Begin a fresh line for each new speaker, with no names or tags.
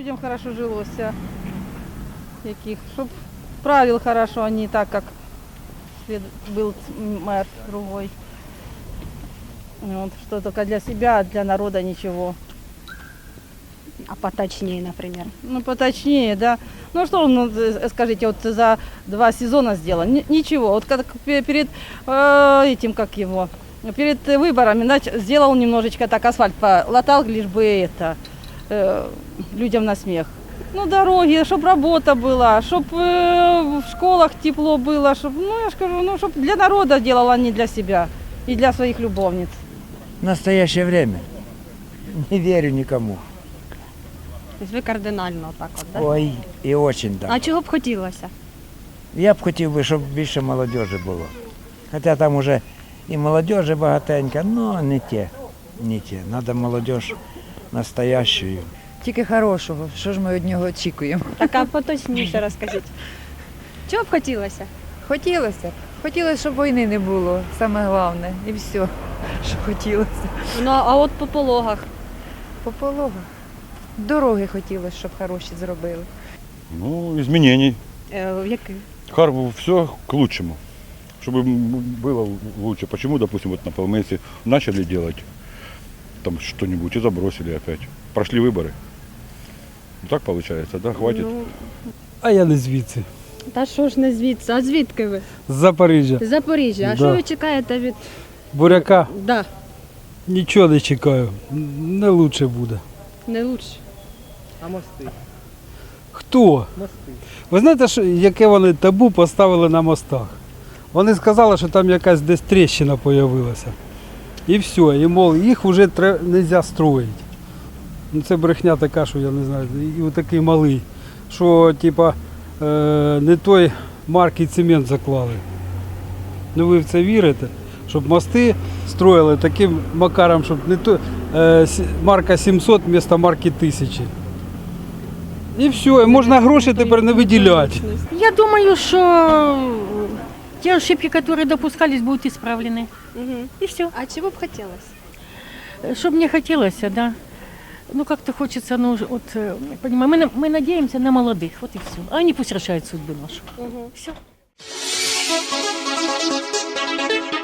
людям хорошо жилося, яких, щоб правил хорошо, а не так, как был мэр другой. Вот, что только для себя, а для народа ничего.
А поточнее, например.
Ну, поточнее, да. Ну, что он, ну, скажите, вот за 2 сезона сделал? Ничего. Вот как перед этим, как его, перед выборами, сделал немножечко так асфальт, латал, лишь бы это, людям на смех. Ну, дороги, чтобы работа была, чтобы в школах тепло было, чтобы, ну, я скажу, ну, чтобы для народа делал, а не для себя и для своих любовниц.
В настоящее время не верю никому.
Тобто ви кардинально так от, да?
Ой, і очень так.
А чого б хотілося?
Я б хотів би, щоб більше молодежі було. Хоча там уже і молодежі багатенько, але не те. Не те. Треба молодіж настоящую.
Тільки хорошого. Що ж ми від нього очікуємо?
Так, а поточніше розкажіть. Чого б хотілося?
Хотілося б. Хотілося, щоб війни не було, саме головне. І все, що хотілося.
Ну, а от по пологах.
По пологах. Дороги хотілося, щоб хороші зробили.
Ну, изменений.
Який?
Все к лучшему. Чтобы было лучше. Почему, допустим, вот на Полмесе начали делать там что-нибудь и забросили опять. Прошли выборы. Ну, так получается, да? Хватит.
Ну,
А я не звідси.
та що ж не звідси? А звідки ви?
З Запоріжжя.
З Запоріжжя. А
Да.
що ви чекаєте від...
Буряка
Да,
нічого не чекаю. Не лучше буде.
не лучше.
Хто? Ви знаєте, яке вони табу поставили на мостах? Вони сказали, що там якась десь тріщина з'явилася. І все. І мов, їх вже не можна строїти. Ну, це брехня така, що я не знаю, і отакий малий, що типа не той марки цемент заклали. Ну ви в це вірите? Щоб мости строїли таким макаром, щоб не то марка 700 вместо марки 1000. І все, і можна гроші тепер не виділяти.
Я думаю, что те ошибки, которые допускались, будут исправлены.
Угу.
И все.
А чого б хотілося?
Что мне хотелось, да. Ну, как-то хочется, ну, вот, понимаю, мы надеемся на молодых, вот и все. А они пусть решают судьбу нашу.
Угу.
Все.